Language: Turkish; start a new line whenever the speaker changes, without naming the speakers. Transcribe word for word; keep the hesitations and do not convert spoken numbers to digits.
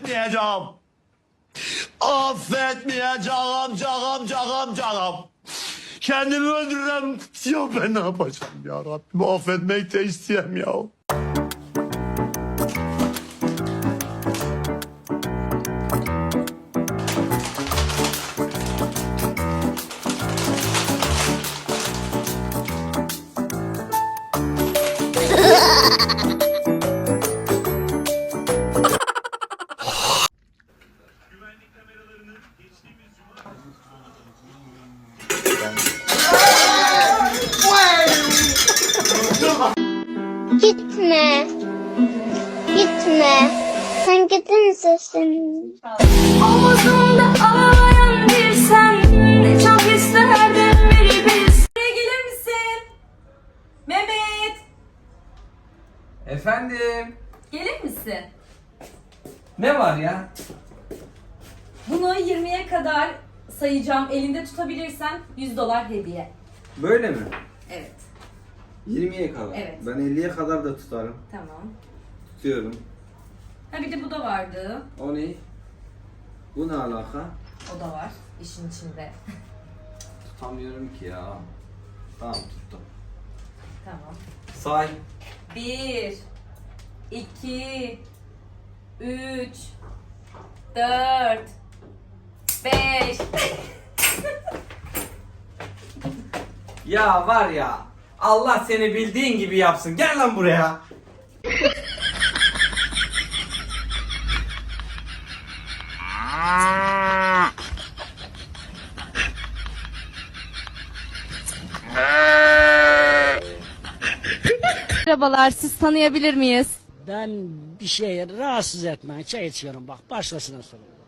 affetmeyeceğim. Affetmeyeceğim, cağım, cağım, cağım. Kendimi öldürürüm. Ya ben ne yapacağım ya Rabbim? Affetmek de isteyem ya.
Gitme. Gitme. Sen gidince senin.
Omuzumda ağlayan bir sen. Çok isterdim bir biz. Buraya gelir misin? Mehmet.
Efendim?
Gelir misin?
Ne var ya?
Bunu yirmiye kadar sayacağım. Elinde tutabilirsen yüz dolar hediye.
Böyle mi?
Evet.
yirmiye kadar.
Evet.
Ben elliye kadar da tutarım.
Tamam.
Tutuyorum.
Ha bir de bu da vardı.
O ne? Bu ne alaka?
O da var işin içinde.
Tutamıyorum ki ya. Tamam tuttum.
Tamam.
Say.
Bir, iki, üç, dört, beş.
Ya var ya. Allah seni bildiğin gibi yapsın. Gel lan buraya.
Merhabalar, siz tanıyabilir miyiz?
Ben bir şey rahatsız etmeyin. Çay içiyorum bak. Başkasına sorun.